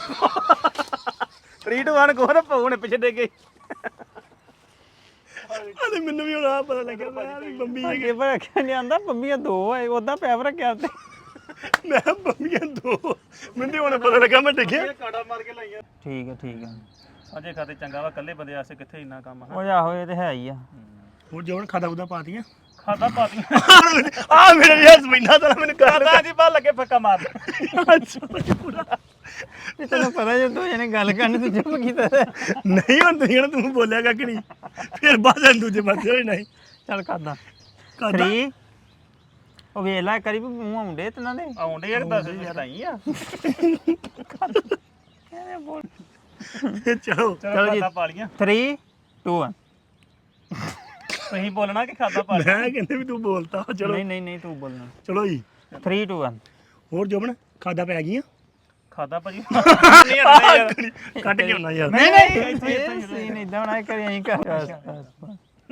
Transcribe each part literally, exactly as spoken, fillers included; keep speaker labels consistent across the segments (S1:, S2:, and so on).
S1: Three two one ਕੋਹ ਨਾ ਪਾਉ ਨੇ ਪਿੱਛੇ ਡੇ ਗਏ
S2: ਹਾਲੇ ਮੈਨੂੰ ਵੀ ਹੁਣ ਆ ਪਤਾ ਲੱਗਿਆ ਮੈਂ ਵੀ ਬੰਬੀ
S3: ਅੱਗੇ ਪਰ ਰੱਖਿਆ ਨਹੀਂ ਆਂਦਾ ਬੰਬੀਆਂ ਦੋ ਆਏ ਉਹਦਾ ਪੈਪ ਰੱਖਿਆ ਤੇ
S2: ਮੈਂ ਬੰਬੀਆਂ ਦੋ ਮੈਨੂੰ ਹੁਣ ਪਤਾ ਲੱਗਾ ਮੈਂ ਡਿੱਗਿਆ
S1: ਕਾੜਾ ਮਾਰ ਕੇ ਲਾਈਆਂ
S3: ਠੀਕ ਹੈ ਠੀਕ ਹੈ
S1: ਅਜੇ ਖਾਤੇ ਚੰਗਾ ਵਾ ਇਕੱਲੇ ਬੰਦੇ ਆਸੇ ਕਿੱਥੇ ਇੰਨਾ ਕੰਮ
S3: ਉਹ ਆਹੋ ਇਹ ਤੇ ਹੈ ਹੀ ਆ
S2: ਹੋਰ ਜੋਨ ਖਾਦਾ ਉਹਦਾ ਪਾਤੀਆਂ
S1: ਖਾਦਾ ਪਾਤੀਆਂ
S2: ਆ ਮੇਰੇ ਲਈ ਹਸਬੈਂਡਾ ਤਾਂ ਮੈਨੂੰ ਕਰ
S1: ਖਾਦਾ ਜੀ ਬਾਹਰ ਲੱਗੇ ਫੱਕਾ ਮਾਰ
S3: ਇਹ ਤੈਨੂੰ ਪਤਾ ਜੇ ਦੋ ਜਣੇ ਗੱਲ ਕਰਨੀ ਤੂੰ ਚੁੱਪ ਕੀਤਾ ਤੇ
S2: ਨਹੀਂ ਹੁਣ ਤੁਸੀਂ ਨਾ ਤੂੰ ਬੋਲਿਆ ਕੱਖ ਨਹੀਂ ਫਿਰ ਬਾਅਦ ਦੂਜੇ ਪਾਸੇ ਹੋਈ ਨਹੀਂ
S3: ਚੱਲ ਕਰਦਾ
S2: ਖਾਦਾ
S3: ਥ੍ਰੀ ਉਹ ਵੇਖ ਲੈ ਕਰੀ ਵੀ ਮੂੰਹ ਆਉਂਦੇ ਤਨਾਂ ਦੇ
S1: ਆਉਂਦੇ ਯਾਰ ਦੱਸ ਛਡਾਈ ਆ
S3: ਐਵੇਂ ਬੋਲ
S2: ਚਲੋ
S1: ਚਲੋ ਖਾਦਾ ਪਾ ਲੀਆਂ
S3: ਥ੍ਰੀ ਟੂ ਵਨ
S1: ਤੁਸੀਂ ਬੋਲਣਾ ਕਿ ਖਾਦਾ ਪਾ ਲਿਆ
S2: ਮੈਂ ਕਹਿੰਦੇ ਵੀ ਤੂੰ ਬੋਲਤਾ ਚਲੋ
S3: ਨਹੀਂ ਨਹੀਂ ਨਹੀਂ ਤੂੰ ਬੋਲਣਾ
S2: ਚਲੋ ਜੀ
S3: ਥ੍ਰੀ ਟੂ ਵਨ
S2: ਹੋਰ ਜੋਬਨ ਖਾਦਾ ਪੈ ਗਈਆਂ
S1: ਖਾਦਾ ਭਾਜੀ ਨਹੀਂ ਹਟਦਾ ਯਾਰ
S2: ਕੱਟ ਕੇ ਆਉਣਾ ਯਾਰ
S3: ਨਹੀਂ ਨਹੀਂ ਇਹ ਸੀਨ ਇਦਾਂ ਬਣਾ ਕੇ ਕਰੀ ਅਸੀਂ ਕਰ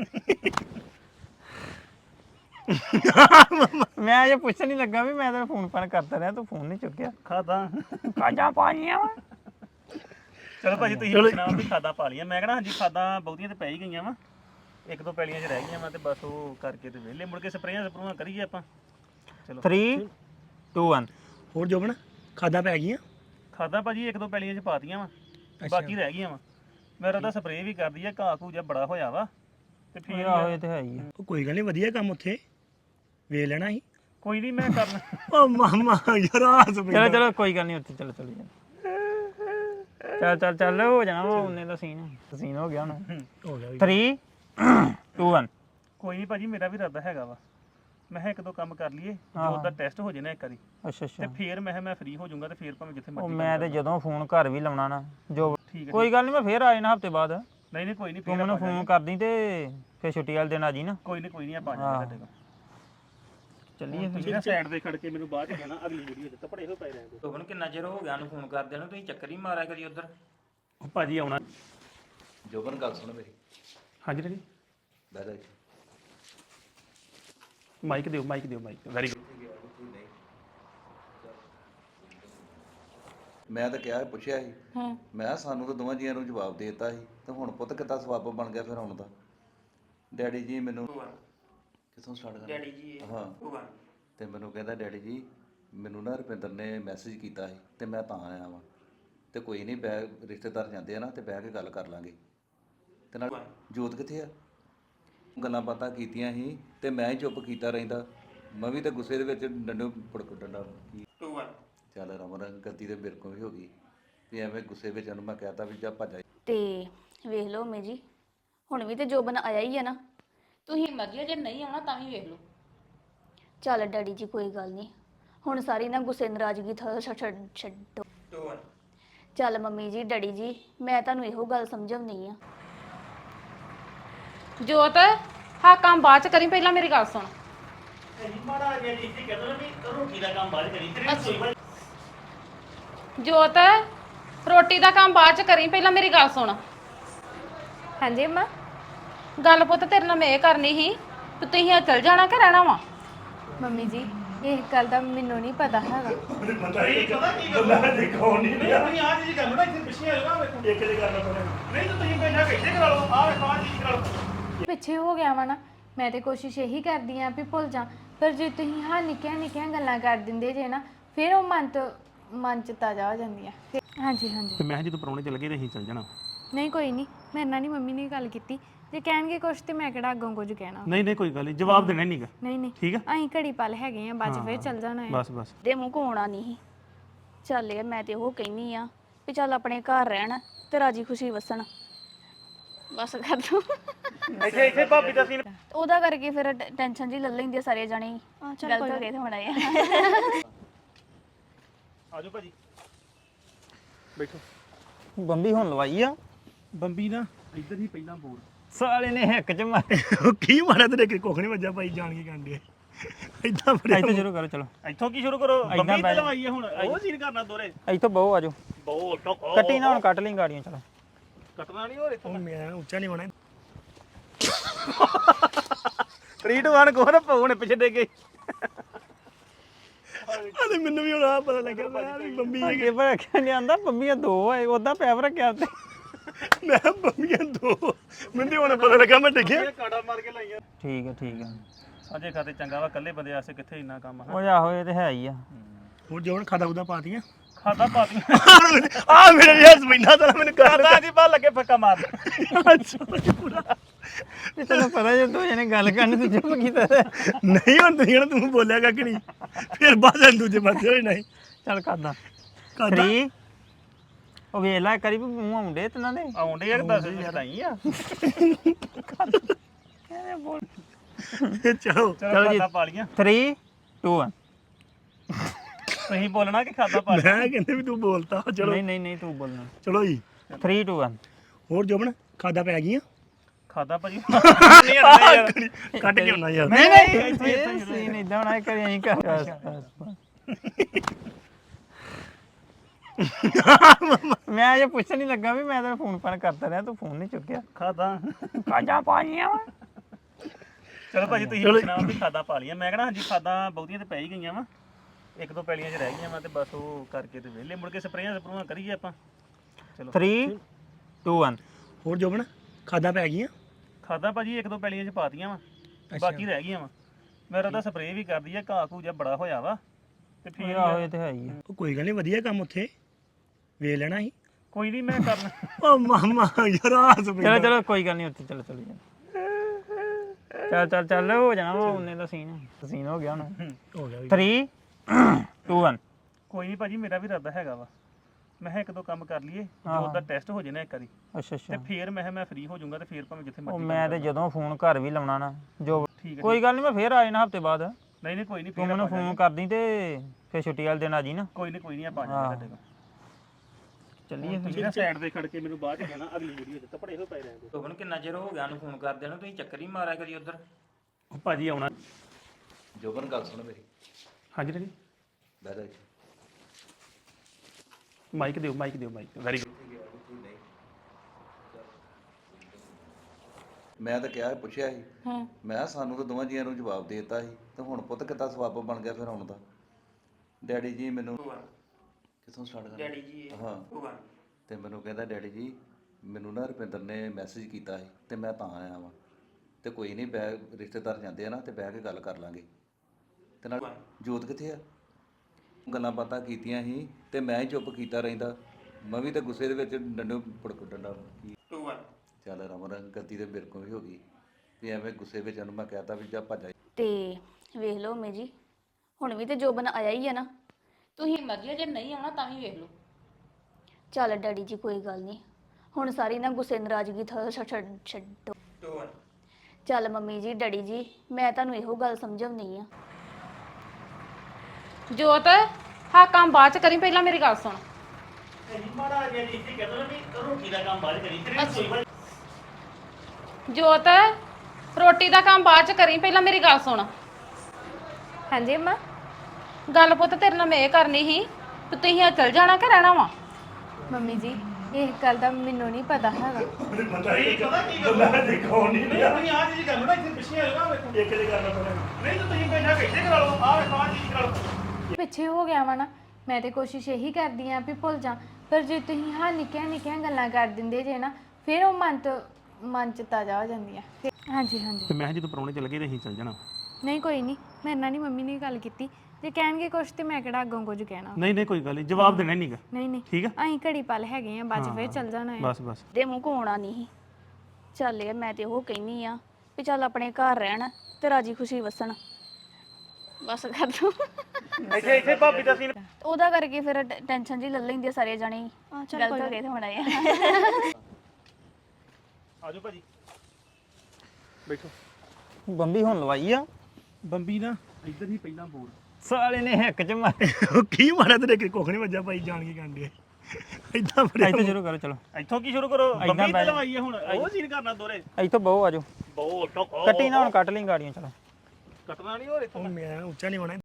S3: ਮੈਂ ਅਜੇ ਪੁੱਛਣ ਨਹੀਂ ਲੱਗਾ ਵੀ ਮੈਂ ਤੈਨੂੰ ਫੋਨ ਫਾਨ ਕਰਦਾ ਰਿਹਾ ਤੂੰ ਫੋਨ ਨਹੀਂ ਚੁੱਕਿਆ
S1: ਖਾਦਾ
S3: ਕਾਜਾਂ ਪਾਈਆਂ ਵਾ
S1: ਚਲੋ ਭਾਜੀ ਤੁਸੀਂ ਪੁੱਛਣਾ ਵੀ ਖਾਦਾ ਪਾ ਲੀਆਂ ਮੈਂ ਕਹਿਣਾ ਹਾਂਜੀ ਖਾਦਾ ਬਹੁਤੀਆਂ ਤੇ ਪੈ ਹੀ ਗਈਆਂ ਵਾ ਇੱਕ ਦੋ ਪੈਲੀਆਂ 'ਚ ਰਹਿ ਗਈਆਂ ਵਾ ਤੇ ਬਸ ਉਹ ਕਰਕੇ ਤੇ ਵਿਹਲੇ ਮੁੜ ਕੇ ਸਪਰੇਆਂ ਸਪਰੂਆਂ ਕਰੀਏ ਆਪਾਂ ਚਲੋ
S3: ਥ੍ਰੀ ਟੂ ਵਨ
S2: ਹੋਰ ਜੋਬਨ ਖਾਦਾ ਪੈ ਗਈਆਂ
S1: ਖਾਦਾ ਭਾਜੀ ਇੱਕ ਦੋ ਪੈਲੀਆਂ 'ਚ ਪਾਤੀਆਂ ਵਾ ਬਾਕੀ ਰਹਿ ਗਈਆਂ ਵਾ ਮੇਰਾ ਤਾਂ ਸਪਰੇਅ ਵੀ ਕਰਦੀ ਆ ਘਾਹ ਘੂ ਜਿਹਾ ਬੜਾ ਹੋਇਆ ਵਾ ਤੇ ਫਿਰ
S3: ਆਹੋ ਇਹ ਤੇ ਹੈ ਹੀ ਆ
S2: ਉਹ ਕੋਈ ਗੱਲ ਨਹੀਂ ਵਧੀਆ ਕੰਮ ਉੱਥੇ ਵੇਖ ਲੈਣਾ ਸੀ
S1: ਕੋਈ ਨਹੀਂ ਮੈਂ ਕਰਨਾ
S2: ਓ ਮਾਮਾ ਯਾਰ ਆ
S3: ਚਲੋ ਚਲੋ ਕੋਈ ਗੱਲ ਨਹੀਂ ਉੱਥੇ ਚਲੋ ਚਲੋ ਚੱਲ ਚੱਲ ਚੱਲ ਹੋ ਜਾਣਾ ਉਹ ਉਹਨੇ ਦਾ ਸੀਨ ਸੀਨ ਹੋ ਗਿਆ ਹੁਣ
S2: ਹੋ ਗਿਆ
S3: ਥ੍ਰੀ ਟੂ ਵਨ
S1: ਕੋਈ ਨਹੀਂ ਭਾਜੀ ਮੇਰਾ ਵੀ ਇਰਾਦਾ ਹੈਗਾ ਵਾ ਮੈਂ ਕਿਹਾ ਇੱਕ ਦੋ ਕੰਮ ਕਰ ਲਈਏ ਜੋ ਦਾ ਟੈਸਟ ਹੋ ਜੇ ਨਾ ਇੱਕ ਵਾਰੀ
S3: ਅੱਛਾ
S1: ਤੇ
S3: ਅੱਛਾ
S1: ਫਿਰ ਮੈਂ ਕਿਹਾ ਮੈਂ ਫ੍ਰੀ ਹੋ ਜਾਊਂਗਾ ਤੇ ਫਿਰ ਭਾਵੇਂ ਜਿੱਥੇ
S3: ਉਹ
S1: ਮਰਜ਼ੀ
S3: ਮੈਂ ਤੇ ਜਦੋਂ ਫੋਨ ਘਰ ਵੀ ਲਾਉਣਾ ਨਾ ਜੋ
S1: ਠੀਕ ਹੈ
S3: ਕੋਈ ਗੱਲ ਨਹੀਂ ਮੈਂ ਫੇਰ ਆ ਜਾਣਾ ਹਫਤੇ ਬਾਅਦ
S1: ਨਹੀਂ ਨਹੀਂ ਕੋਈ ਨਹੀਂ
S3: ਤੂੰ
S1: ਫਿਰ
S3: ਮੈਨੂੰ ਫੋਨ ਕਰਦੀ ਤੇ ਫੇਰ ਛੁੱਟੀ ਵਾਲੇ ਦਿਨ ਆ ਜੀ ਨਾ
S1: ਕੋਈ ਨਹੀਂ ਕੋਈ ਨਹੀਂ ਆਪਾਂ ਜਾਵਾਂਗੇ ਤੁਹਾਡੇ ਕੋਲ
S3: ਚੱਲੀਏ
S1: ਤੁਸੀਂ ਨਾ ਸਾਈਡ ਤੇ ਖੜ ਕੇ ਮੈਨੂੰ ਬਾਅਦ ਚ ਕਹਿਣਾ ਅਗਲੀ ਵੀਡੀਓ ਚ ਕੱਪੜੇ ਹੋ ਪਏ ਰਹਿੰਦੇ
S3: ਹੁਣ ਕਿੰਨਾ ਚਿਰ ਹੋ ਗਿਆ ਨੂੰ ਫੋਨ ਕਰਦੇ ਨੂੰ ਤੁਸੀਂ ਚੱਕਰ ਹੀ ਮਾਰਿਆ ਕਰੀ ਉਧਰ
S1: ਉਹ ਭਾਜੀ ਆਉਣਾ
S4: ਜੋਬਨ ਗੱਲ ਸੁਣ ਮੇਰੀ
S1: ਹਾਂਜੀ ਰਜੀ
S4: ਬਹਿ ਜਾ
S1: ਮਾਈਕ ਦਿਓ ਮਾਈਕ ਦਿਓ ਮਾਈਕ ਵੈਰੀ ਗੁੱਡ
S4: ਮੈਂ ਤਾਂ ਕਿਹਾ ਪੁੱਛਿਆ ਸੀ ਮੈਂ ਕਿਹਾ ਸਾਨੂੰ ਤਾਂ ਦੋਵਾਂ ਜੀਆਂ ਨੂੰ ਜਵਾਬ ਦੇ ਦਿੱਤਾ ਸੀ ਤੇ ਹੁਣ ਪੁੱਤ ਕਿੱਦਾਂ ਸਵਾਬ ਬਣ ਗਿਆ ਫਿਰ ਹੁਣ ਦਾ ਡੈਡੀ ਜੀ ਮੈਨੂੰ ਕਿੱਥੋਂ ਸਟਾਰਟ ਕਰ ਡੈਡੀ ਜੀ ਹਾਂ ਤੇ ਮੈਨੂੰ ਕਹਿੰਦਾ ਡੈਡੀ ਜੀ ਮੈਨੂੰ ਨਾ ਰੁਪਿੰਦਰ ਨੇ ਮੈਸੇਜ ਕੀਤਾ ਸੀ ਤੇ ਮੈਂ ਤਾਂ ਆਇਆ ਵਾਂ ਤੇ ਕੋਈ ਨਹੀਂ ਬੈ ਰਿਸ਼ਤੇਦਾਰ ਜਾਂਦੇ ਆ ਨਾ ਤੇ ਬਹਿ ਕੇ ਗੱਲ ਕਰ ਲਾਂਗੇ ਤੇ ਨਾਲ ਜੋਤ ਕਿੱਥੇ ਆ ਗੱਲਾਂ ਬਾਤਾਂ ਕੀਤੀਆਂ ਸੀ ਤੇ ਮੈਂ ਹੀ ਚੁੱਪ ਕੀਤਾ ਰਹਿੰਦਾ ਮੈਂ ਵੀ ਤਾਂ ਗੁੱਸੇ ਦੇ ਵਿੱਚ ਡੰਡੋ ਪੜਕ ਡੰਡਾ ਚੱਲ ਰਮਨ ਗਲਤੀ ਤੇ ਮੇਰੇ ਕੋਲ ਵੀ ਹੋ ਗਈ ਵੀ ਐਵੇਂ ਗੁੱਸੇ ਵਿੱਚ ਉਹਨੂੰ ਮੈਂ ਕਹਿਤਾ ਵੀ ਜਾ ਭੱਜ ਜਾ
S5: ਤੇ ਵੇਖ ਲਓ ਮੇ ਜੀ ਹੁਣ ਵੀ ਤੇ ਜੋਬਨ ਆਇਆ ਹੀ ਆ ਨਾ ਤੁਸੀਂ ਮਰਜ਼ੀ ਜੇ ਨਹੀਂ ਆਉਣਾ ਤਾਂ ਵੀ ਵੇਖ ਲਓ ਚੱਲ ਡੈਡੀ ਜੀ ਕੋਈ ਗੱਲ ਨਹੀਂ ਹੁਣ ਸਾਰੀ ਨਾ ਗੁੱਸੇ ਨਾਰਾਜ਼ਗੀ ਥਾ ਛੱਡੋ ਚੱਲ ਮੰਮੀ ਜੀ ਡੈਡੀ ਜੀ ਮੈਂ ਤੁਹਾਨੂੰ ਇਹੋ ਗੱਲ ਸਮਝਾਉਣੀ ਆ
S6: ਜੋਤ ਹਾਂ ਕੰਮ ਬਾਅਦ ਚ ਕਰੀ ਪਹਿਲਾਂ ਮੇਰੀ ਗੱਲ ਸੁਣ
S1: ਮਾੜਾ ਜਿਹਾ ਜੀ ਜੀ ਕਹਿੰਦਾ ਵੀ ਰੋਟੀ ਦਾ ਕੰਮ ਬਾਅਦ ਕਰੀ ਤੇਰੀ
S6: ਜੋਤ ਰੋਟੀ ਦਾ ਕੰਮ ਬਾਅਦ ਚ ਕਰੀ ਪਹਿਲਾਂ ਮੇਰੀ ਗੱਲ ਸੁਣ
S7: ਹਾਂਜੀ ਅੰਮਾ
S6: ਗੱਲ ਪੁੱਤ ਤੇਰੇ ਨਾਲ ਮੈਂ ਇਹ ਕਰਨੀ ਸੀ ਕਿ ਤੁਸੀਂ ਚੱਲ ਜਾਣਾ ਕਿ ਰਹਿਣਾ ਵਾ
S7: ਮੰਮੀ ਜੀ ਇਹ ਗੱਲ ਦਾ ਮੈਨੂੰ ਨਹੀਂ ਪਤਾ ਹੈਗਾ
S2: ਬੰਦਾ ਇਹ ਪਤਾ ਕੀ ਗੱਲ ਹੈ ਦੇਖੋ ਨਹੀਂ
S1: ਤੁਸੀਂ ਆਹ ਚੀਜ਼ ਕਰ ਲਓ ਨਾ ਇੱਥੇ ਪਿੱਛੇ ਆ ਜਾਓ ਵੇਖੋ
S2: ਇੱਕ ਦੇ ਕਰਨਾ ਪੈਣਾ
S1: ਨਹੀਂ ਤਾਂ ਤੁਸੀਂ ਬੈਠਾ ਇੱਥੇ ਕਰਾ ਲਓ ਆਹ ਵੇਖੋ ਆਹ ਚੀਜ਼ ਕਰਾ ਲਓ
S7: ਪਿੱਛੇ ਹੋ ਗਿਆ ਵਾ ਨਾ ਮੈਂ ਤੇ ਕੋਸ਼ਿਸ਼ ਇਹੀ ਕਰਦੀ ਆਂ ਵੀ ਭੁੱਲ ਜਾ ਪਰ ਜੇ ਤੁਸੀਂ ਹਾਂ ਨਿੱਕੀਆਂ ਨਿੱਕੀਆਂ ਗੱਲਾਂ ਕਰ ਦਿੰਦੇ ਜੇ ਨਾ ਫਿਰ ਉਹ ਮਨ ਤੋਂ ਮਨ ਚ ਤਾਜ਼ਾ ਹੋ ਜਾਂਦੀਆਂ ਹਾਂਜੀ ਹਾਂਜੀ
S1: ਤੇ ਮੈਂ ਜਦੋਂ ਪਰੌਣੇ ਚਲ ਗਏ ਤੇ ਅਸੀਂ ਚੱਲ ਜਾਣਾ
S7: ਨਹੀਂ ਕੋਈ ਨਹੀਂ ਮੇਰੇ ਨਾਲ ਨਹੀਂ ਮੰਮੀ ਨੇ ਗੱਲ ਕੀਤੀ ਜੇ ਕਹਿਣਗੇ ਕੁਛ ਤੇ ਮੈਂ ਕਿਹੜਾ ਅੱਗੋਂ ਕੁਝ ਕਹਿਣਾ
S1: ਨਹੀਂ ਨਹੀਂ ਕੋਈ ਗੱਲ ਨਹੀਂ ਜਵਾਬ ਦੇਣਾ ਨਹੀਂਗਾ
S7: ਨਹੀਂ ਨਹੀਂ
S1: ਠੀਕ ਆ
S7: ਅਸੀਂ ਘੜੀ ਪਲ ਹੈਗੇ ਆ ਬਾਅਦ ਚ ਫਿਰ ਚੱਲ ਜਾਣਾ ਹੈ
S1: ਬਸ ਬਸ
S5: ਦੇ ਮੂੰਹ ਕੋ ਆਉਣਾ ਨਹੀਂ ਚੱਲ ਯਾਰ ਮੈਂ ਤੇ ਉਹ ਕਹਿੰਨੀ ਆ ਵੀ ਚੱਲ ਆਪਣੇ ਘਰ ਰਹਿਣ ਤੇ ਰਾਜੀ ਖੁਸ਼ੀ ਵਸਣ ਬਸ ਕਰ ਦੋ
S1: ਇੱਥੇ ਇੱਥੇ ਭਾਬੀ ਦਾ ਸੀਨ
S5: ਉਹਦਾ ਕਰਕੇ ਫਿਰ ਟੈਨਸ਼ਨ ਜੀ ਲੈ ਲੈਂਦੇ ਆ ਸਾਰੇ ਜਣੇ ਗਲਤ ਹੋ ਗਏ ਤੇ ਹੁਣ ਆਏ
S1: ਆਜੋ ਭਾਜੀ ਬੈਠੋ
S3: ਬੰਬੀ ਹੁਣ ਲਵਾਈ ਆ
S1: ਬੰਬੀ ਨਾ ਇੱਧਰ ਹੀ ਪਹਿਲਾਂ ਬੋਰ
S3: ਸਾਲੇ ਨੇ ਹਿੱਕ ਚ ਮਾਰੇ
S2: ਉਹ ਕੀ ਮਾਰਿਆ ਤੇਰੇ ਕਿ ਕੁੱਖ ਨਹੀਂ ਵੱਜਾ ਭਾਈ ਜਾਣ ਕੇ ਕਾਂਡੇ ਇਦਾਂ ਬੜੇ
S3: ਇੱਥੇ ਸ਼ੁਰੂ ਕਰੋ ਚਲੋ
S1: ਇੱਥੋਂ ਕੀ ਸ਼ੁਰੂ ਕਰੋ
S3: ਏਦਾਂ
S1: ਬੰਬੀ ਤੇ
S3: ਬਹਿ ਜਾ।
S1: ਲਵਾਈਏ ਹੁਣ ਉਹ ਸੀਨ ਕਰਨਾ ਦੋਰੇ
S3: ਇੱਥੋਂ ਬਹੁ ਆਜੋ
S1: ਬਹੁਤ ਟੋਕ
S3: ਕੱਟੀ ਨਾ ਹੁਣ ਕੱਟ ਲਈ ਗਾੜੀਆਂ ਚਲੋ
S1: ਕੱਟਣਾ ਨਹੀਂ ਹੋਰ ਇੱਥੋਂ
S2: ਉਹ ਮੈਂ ਉੱਚਾ ਨਹੀਂ ਹੋਣਾ
S1: ਥ੍ਰੀ ਟੂ ਵਨ ਕੋਹ ਨਾ ਪਾਉ ਨੇ ਪਿੱਛੇ ਡੇ ਗਏ
S2: ਹਲੇ ਮੈਨੂੰ ਵੀ ਹੁਣ ਆ ਪਤਾ ਲੱਗਿਆ ਮੈਂ ਵੀ ਬੰਬੀ
S3: ਅੱਗੇ ਪਰ ਰੱਖਿਆ ਨਹੀਂ ਆਂਦਾ ਬੰਬੀਆਂ ਦੋ ਆਏ ਉਹਦਾ ਪੈਪ ਰੱਖਿਆ ਤੇ
S2: ਮੈਂ ਬੰਬੀਆਂ ਦੋ ਮੈਨੂੰ ਹੁਣ ਪਤਾ ਲੱਗਾ ਮੈਂ ਡਿੱਗਿਆ
S1: ਕਾੜਾ ਮਾਰ ਕੇ ਲਾਈਆਂ
S3: ਠੀਕ ਹੈ ਠੀਕ ਹੈ
S1: ਅਜੇ ਖਾਤੇ ਚੰਗਾ ਵਾ ਇਕੱਲੇ ਬੰਦੇ ਆਸੇ ਕਿੱਥੇ ਇੰਨਾ ਕੰਮ ਆ
S3: ਉਹ ਆਹੋ ਇਹ ਤੇ ਹੈ ਹੀ ਆ
S2: ਹੋਰ ਜੋਨ ਖਾਦਾ ਉਹਦਾ ਪਾਤੀਆਂ
S1: ਖਾਦਾ ਪਾਤੀਆਂ
S2: ਆ ਮੇਰੇ ਯਾਰ ਮਹੀਨਾ ਤਾਂ ਮੈਨੂੰ ਕਰ
S1: ਖਾਦਾ ਜੀ ਬਾਹਰ ਲੱਗੇ ਫੱਕਾ ਮਾਰ
S3: ਵੀ ਤੈਨੂੰ ਪਤਾ ਜੇ ਦੋ ਜਣੇ ਗੱਲ ਕਰਨੀ ਤੇ ਚੁੱਪ ਕੀਤਾ ਤੇ
S2: ਨਹੀਂ ਹੁਣ ਤੁਸੀਂ ਕਹਿਣਾ ਤੂੰ ਬੋਲਿਆ ਕੱਖ ਨਹੀਂ ਫਿਰ ਬਾਅਦ ਦੂਜੇ ਪਾਸੇ ਹੋਈ ਨਹੀਂ
S3: ਚੱਲ ਕਰਦਾ
S2: ਕਰਦਾ।
S3: ਥ੍ਰੀ ਉਹ ਵੇਖ ਲੈ ਕਰੀ ਵੀ ਮੂੰਹ ਆਉਂਦੇ ਤੇ ਨਾ ਦੇ
S1: ਆਉਂਦੇ ਯਾਰ ਦੱਸ ਸਤਾਈ ਆ
S2: ਚਲੋ
S1: ਚਲੋ ਖਾਦਾ ਪਾ ਲੀਆਂ
S3: ਥ੍ਰੀ ਟੂ ਵਨ
S1: ਤੁਸੀਂ ਬੋਲਣਾ ਕਿ ਖਾਦਾ ਪਾ ਲਿਆ
S2: ਮੈਂ ਕਹਿੰਦੇ ਵੀ ਤੂੰ ਬੋਲਤਾ ਚਲੋ
S3: ਨਹੀਂ ਨਹੀਂ ਨਹੀਂ ਤੂੰ ਬੋਲਣਾ
S2: ਚਲੋ ਜੀ
S3: ਥ੍ਰੀ ਟੂ ਵਨ
S2: ਹੋਰ ਜੋਬਨ ਖਾਦਾ ਪੈ ਗਈਆਂ
S1: ਖਾਦਾ ਭਾਜੀ ਨਹੀਂ ਹਟਦਾ ਯਾਰ
S2: ਕੱਟ ਕੇ ਆਉਣਾ ਯਾਰ
S3: ਨਹੀਂ ਨਹੀਂ ਇਹ ਸੀਨ ਇਦਾਂ ਬਣਾ ਕਰੀ ਅਸੀਂ ਕਰ ਮੈਂ ਇਹ ਪੁੱਛਣ ਨਹੀਂ ਲੱਗਾ ਵੀ ਮੈਂ ਤੈਨੂੰ ਫੋਨ ਫਾਨ ਕਰਦਾ ਰਿਹਾ ਤੂੰ ਫੋਨ ਨਹੀਂ ਚੁੱਕਿਆ
S1: ਖਾਦਾ
S3: ਕਾਜਾਂ ਪਾਈਆਂ ਵਾ
S1: ਚਲੋ ਭਾਜੀ ਤੁਸੀਂ ਪੁੱਛਣਾ ਵੀ ਖਾਦਾ ਪਾ ਲੀਆਂ ਮੈਂ ਕਹਣਾ ਹਾਂਜੀ ਖਾਦਾ ਬਹੁਤੀਆਂ ਤੇ ਪੈ ਹੀ ਗਈਆਂ ਵਾ ਇੱਕ ਦੋ ਪੈਲੀਆਂ 'ਚ ਰਹਿ ਗਈਆਂ ਵਾ ਤੇ ਬਸ ਉਹ ਕਰਕੇ ਤੇ ਵਿਹਲੇ ਮੁੜ ਕੇ ਸਪਰੇਆਂ ਸਪਰੂਆਂ ਕਰੀਏ ਆਪਾਂ ਚਲੋ
S3: ਥ੍ਰੀ ਟੂ ਵਨ
S2: ਹੋਰ ਜੋਬਨ ਖਾਦਾ ਪੈ ਗਈਆਂ
S1: ਖਾਦਾ ਭਾਜੀ ਇੱਕ ਦੋ ਪੈਲੀਆਂ 'ਚ ਪਾਤੀਆਂ ਵਾ ਬਾਕੀ ਰਹਿ ਗਈਆਂ ਵਾ ਮੇਰਾ ਤਾਂ ਸਪਰੇਅ ਵੀ ਕਰਦੀ ਆ ਘਾਹ ਘੂ ਜਿਹਾ ਬੜਾ ਹੋਇਆ ਵਾ ਤੇ ਫਿਰ
S3: ਆਹੋ ਇਹ ਤੇ ਹੈ ਹੀ ਆ
S2: ਉਹ ਕੋਈ ਗੱਲ ਨਹੀਂ ਵਧੀਆ ਕੰਮ ਉੱਥੇ ਵੇਖ ਲੈਣਾ ਸੀ
S1: ਕੋਈ ਨਹੀਂ ਮੈਂ ਕਰਨਾ
S2: ਓ ਮਾਮਾ ਯਾਰ ਆਸ
S3: ਚਲੋ ਚਲੋ ਕੋਈ ਗੱਲ ਨਹੀਂ ਉੱਥੇ ਚਲੋ ਚਲੋ ਜੀ ਚੱਲ ਚੱਲ ਚੱਲ ਹੋ ਜਾਣਾ ਉਹ ਉਹਨੇ ਦਾ ਸੀਨ ਸੀਨ ਹੋ ਗਿਆ ਹੁਣ
S2: ਹੋ ਗਿਆ ਵੀ।
S3: ਥ੍ਰੀ ਟੂ ਵਨ
S1: ਕੋਈ ਨਹੀਂ ਭਾਜੀ ਮੇਰਾ ਵੀ ਇਰਾਦਾ ਹੈਗਾ ਵਾ ਮੈਂ ਕਿਹਾ ਇੱਕ ਦੋ ਕੰਮ ਕਰ ਲਈਏ ਜੋ ਦਾ ਟੈਸਟ ਹੋ ਜੇ ਨਾ ਇੱਕ ਵਾਰੀ
S3: ਅੱਛਾ
S1: ਤੇ
S3: ਅੱਛਾ
S1: ਫਿਰ ਮੈਂ ਕਿਹਾ ਮੈਂ ਫ੍ਰੀ ਹੋ ਜਾਊਂਗਾ ਤੇ ਫਿਰ ਭਾਵੇਂ ਜਿੱਥੇ
S3: ਉਹ
S1: ਮਰਜ਼ੀ
S3: ਮੈਂ ਤੇ ਜਦੋਂ ਫੋਨ ਘਰ ਵੀ ਲਾਉਣਾ ਨਾ ਜੋ
S1: ਠੀਕ ਹੈ
S3: ਕੋਈ ਗੱਲ ਨਹੀਂ ਮੈਂ ਫੇਰ ਆ ਜਾਣਾ ਹਫਤੇ ਬਾਅਦ
S1: ਨਹੀਂ ਨਹੀਂ ਕੋਈ ਨਹੀਂ
S3: ਤੂੰ
S1: ਫਿਰ
S3: ਮੈਨੂੰ ਫੋਨ ਕਰਦੀ ਤੇ ਫੇਰ ਛੁੱਟੀ ਵਾਲੇ ਦਿਨ ਆ ਜੀ ਨਾ
S1: ਕੋਈ ਨਹੀਂ ਕੋਈ ਨਹੀਂ ਆਪਾਂ ਜਾਣਾ ਤੁਹਾਡੇ ਕੋਲ
S3: ਚੱਲੀਏ
S1: ਤੁਸੀਂ ਨਾ ਸਾਈਡ ਤੇ ਖੜ ਕੇ ਮੈਨੂੰ ਬਾਅਦ ਚ ਕਹਿਣਾ ਅਗਲੀ ਵੀਡੀਓ ਚ ਕੱਪੜੇ ਹੋ ਪਏ ਰਹਿੰਦੇ
S3: ਤੋਬਨ ਕਿੰਨਾ ਚਿਰ ਹੋ ਗਿਆ ਨੂੰ ਫੋਨ ਕਰਦੇ ਨੂੰ ਤੁਸੀਂ ਚੱਕਰ ਹੀ ਮਾਰਿਆ ਕਰੀ ਉਧਰ
S1: ਭਾਜੀ ਆਉਣਾ
S4: ਜੋਬਨ ਗੱਲ ਸੁਣ ਮੇਰੀ
S1: ਹਾਂਜੀ ਜੀ
S4: ਬਹਿ ਜਾ
S1: ਮਾਈਕ ਦਿਓ ਮਾਈਕ ਦਿਓ ਮਾਈਕ ਵੈਰੀ ਗੁੱਡ
S4: ਮੈਂ ਤਾਂ ਕਿਹਾ ਪੁੱਛਿਆ ਸੀ ਮੈਂ ਕਿਹਾ ਸਾਨੂੰ ਤਾਂ ਦੋਵਾਂ ਜੀਆਂ ਨੂੰ ਜਵਾਬ ਦੇ ਦਿੱਤਾ ਸੀ ਤੇ ਹੁਣ ਪੁੱਤ ਕਿੱਦਾਂ ਸਵਾਬ ਬਣ ਗਿਆ ਫਿਰ ਹੁਣ ਦਾ ਡੈਡੀ ਜੀ ਮੈਨੂੰ ਕਿੱਥੋਂ ਸਟਾਰਟ ਕਰ ਡੈਡੀ ਜੀ ਹਾਂ ਤੇ ਮੈਨੂੰ ਕਹਿੰਦਾ ਡੈਡੀ ਜੀ ਮੈਨੂੰ ਨਾ ਰੁਪਿੰਦਰ ਨੇ ਮੈਸੇਜ ਕੀਤਾ ਸੀ ਤੇ ਮੈਂ ਤਾਂ ਆਇਆ ਵਾਂ ਤੇ ਕੋਈ ਨਹੀਂ ਬੈ ਰਿਸ਼ਤੇਦਾਰ ਜਾਂਦੇ ਆ ਨਾ ਤੇ ਬਹਿ ਕੇ ਗੱਲ ਕਰ ਲਾਂਗੇ ਤੇ ਨਾਲ ਜੋਤ ਕਿੱਥੇ ਆ ਗੱਲਾਂ ਬਾਤਾਂ ਕੀਤੀਆਂ ਸੀ ਤੇ ਮੈਂ ਹੀ ਚੁੱਪ ਕੀਤਾ ਰਹਿੰਦਾ ਮੈਂ ਵੀ ਤਾਂ ਗੁੱਸੇ ਦੇ ਵਿੱਚ ਡੰਡੋ ਪੜਕ ਡੰਡਾ ਚੱਲ ਰਮਨ ਗਲਤੀ ਤੇ ਮੇਰੇ ਕੋਲ ਵੀ ਹੋ ਗਈ ਵੀ ਐਵੇਂ ਗੁੱਸੇ ਵਿੱਚ ਉਹਨੂੰ ਮੈਂ ਕਹਿਤਾ ਵੀ ਜਾ ਭੱਜ
S5: ਤੇ ਵੇਖ ਲਓ ਮੇ ਜੀ ਹੁਣ ਵੀ ਤੇ ਜੋਬਨ ਆਇਆ ਹੀ ਆ ਨਾ ਤੁਸੀਂ ਮਰਜ਼ੀ ਜੇ ਨਹੀਂ ਆਉਣਾ ਤਾਂ ਵੀ ਵੇਖ ਲਓ ਚੱਲ ਡੈਡੀ ਜੀ ਕੋਈ ਗੱਲ ਨਹੀਂ ਹੁਣ ਸਾਰੀ ਨਾ ਗੁੱਸੇ ਨਾਰਾਜ਼ਗੀ ਥਾ ਛੱਡ ਛੱਡੋ ਚੱਲ ਮੰਮੀ ਜੀ ਡੈਡੀ ਜੀ ਮੈਂ ਤੁਹਾਨੂੰ ਇਹੋ ਗੱਲ ਸਮਝਾਉਣੀ ਆ
S6: ਜੋਤ ਹਾਂ ਕੰਮ ਬਾਅਦ ਚ ਕਰੀ ਪਹਿਲਾਂ ਮੇਰੀ ਗੱਲ ਸੁਣ
S1: ਮਾੜਾ ਜਿਹਾ ਜੀ ਇੱਥੇ ਕਹਿੰਦਾ ਵੀ ਰੋਟੀ ਦਾ ਕੰਮ ਬਾਅਦ ਕਰੀ ਤੇਰੀ
S6: ਜੋਤ ਰੋਟੀ ਦਾ ਕੰਮ ਬਾਅਦ ਚ ਕਰੀ ਪਹਿਲਾਂ ਮੇਰੀ ਗੱਲ ਸੁਣ
S7: ਹਾਂਜੀ ਅੰਮਾ
S6: ਗੱਲ ਪੁੱਤ ਤੇਰੇ ਨਾਲ ਮੈਂ ਇਹ ਕਰਨੀ ਸੀ ਤੇ ਤੁਸੀਂ ਆ ਚਲ ਜਾਣਾ ਕਿ ਰਹਿਣਾ ਵਾ
S7: ਮੰਮੀ ਜੀ ਇਹ ਗੱਲ ਦਾ ਮੈਨੂੰ ਨਹੀਂ ਪਤਾ ਹੈਗਾ
S2: ਬੰਦਾ ਇਹ ਪਤਾ ਕੀ ਗੱਲ ਮੈਂ ਦੇਖੋ ਨਹੀਂ
S1: ਤੁਸੀਂ ਆਹ ਚੀਜ਼ ਕਰ ਲਓ ਨਾ ਇੱਥੇ ਪਿੱਛੇ ਆ ਜਾਓ ਵੇਖੋ
S2: ਇੱਕ ਦੇ ਕਰਨਾ ਪੈਣਾ
S1: ਨਹੀਂ ਤਾਂ ਤੁਸੀਂ ਬੈਠਾ ਇੱਥੇ ਕਰਾ ਲਓ ਆਹ ਵੇਖੋ ਆਹ ਚੀਜ਼ ਕਰਾ ਲਓ
S7: ਪਿੱਛੇ ਹੋ ਗਿਆ ਵਾ ਨਾ ਮੈਂ ਤੇ ਕੋਸ਼ਿਸ਼ ਇਹੀ ਕਰਦੀ ਆਂ ਵੀ ਭੁੱਲ ਜਾ ਪਰ ਜੇ ਤੁਸੀਂ ਹਾਂ ਨਿੱਕੀਆਂ ਨਿੱਕੀਆਂ ਗੱਲਾਂ ਕਰ ਦਿੰਦੇ ਜੇ ਨਾ ਫਿਰ ਉਹ ਮਨ ਤੋਂ ਮਨ ਚ ਤਾਜ਼ਾ ਹੋ ਜਾਂਦੀਆਂ ਫਿਰ ਹਾਂਜੀ ਹਾਂਜੀ
S1: ਤੇ ਮੈਂ ਜਦੋਂ ਪਰੌਣੇ ਚਲ ਗਏ ਤੇ ਅਸੀਂ ਚੱਲ ਜਾਣਾ
S7: ਨਹੀਂ ਕੋਈ ਨਹੀਂ ਮੇਰੇ ਨਾਲ ਨਹੀਂ ਮੰਮੀ ਨੇ ਗੱਲ ਕੀਤੀ ਜੇ ਕਹਿਣਗੇ ਕੁਛ ਤੇ ਮੈਂ ਕਿਹੜਾ ਅੱਗੋਂ ਕੁਝ ਕਹਿਣਾ
S1: ਨਹੀਂ ਨਹੀਂ ਕੋਈ ਗੱਲ ਨਹੀਂ ਜਵਾਬ ਦੇਣਾ ਨਹੀਂਗਾ
S7: ਨਹੀਂ ਨਹੀਂ
S1: ਠੀਕ ਆ
S7: ਅਸੀਂ ਘੜੀ ਪਲ ਹੈਗੇ ਆ ਬਾਅਦ ਚ ਫਿਰ ਚੱਲ ਜਾਣਾ ਹੈ
S1: ਬਸ ਬਸ
S5: ਦੇ ਮੂੰਹ ਕੋ ਆਉਣਾ ਨਹੀਂ ਚੱਲ ਯਾਰ ਮੈਂ ਤੇ ਉਹ ਕਹਿੰਨੀ ਆ ਵੀ ਚੱਲ ਆਪਣੇ ਘਰ ਰਹਿਣ ਤੇ ਰਾਜੀ ਖੁਸ਼ੀ ਵਸਣ ਬਸ ਕਰ ਦੋ
S1: ਇੱਥੇ ਇੱਥੇ ਭਾਬੀ ਦਾ ਸੀਨ
S5: ਉਹਦਾ ਕਰਕੇ ਫਿਰ ਟੈਨਸ਼ਨ ਜੀ ਲੈ ਲੈਂਦੇ ਆ ਸਾਰੇ ਜਾਣੇ ਗਲਤ ਹੋ ਗਏ ਤੇ ਹੁਣ ਆਏ
S1: ਆਜੋ ਭਾਜੀ ਬੈਠੋ
S3: ਬੰਬੀ ਹੁਣ ਲਵਾਈ ਆ
S1: ਬੰਬੀ ਨਾ ਇੱਧਰ ਹੀ ਪਹਿਲਾਂ ਬੋਲ
S3: ਸਾਲੇ ਨੇ ਹਿੱਕ ਚ ਮਾਰ
S2: ਉਹ ਕੀ ਮਾਰਿਆ ਤੇਰੇ ਕਿ ਕੁੱਖ ਨਹੀਂ ਵੱਜਾ ਭਾਈ ਜਾਣ ਕੇ ਕਾਂਡੇ ਇਦਾਂ ਫੜਿਆ
S3: ਇੱਥੇ ਸ਼ੁਰੂ ਕਰੋ ਚਲੋ
S1: ਇੱਥੋਂ ਕੀ ਸ਼ੁਰੂ ਕਰੋ
S3: ਏਦਾਂ
S1: ਬੰਬੀ ਤੇ
S3: ਬਹਿ ਜਾ।
S1: ਲਵਾਈਏ ਹੁਣ ਉਹ ਸੀਨ ਕਰਨਾ ਦੋਰੇ
S3: ਇੱਥੋਂ ਬਹੁ ਆਜੋ
S1: ਬਹੁਤ
S3: ਕੱਟੀ ਨਾ ਹੁਣ ਕੱਟ ਲਈ ਗਾੜੀਆਂ ਚਲੋ
S1: ਕੱਟਣਾ ਨਹੀਂ ਹੋਰ ਇੱਥੋਂ
S2: ਉਹ ਮੈਂ ਉੱਚਾ ਨਹੀਂ ਹੋਣਾ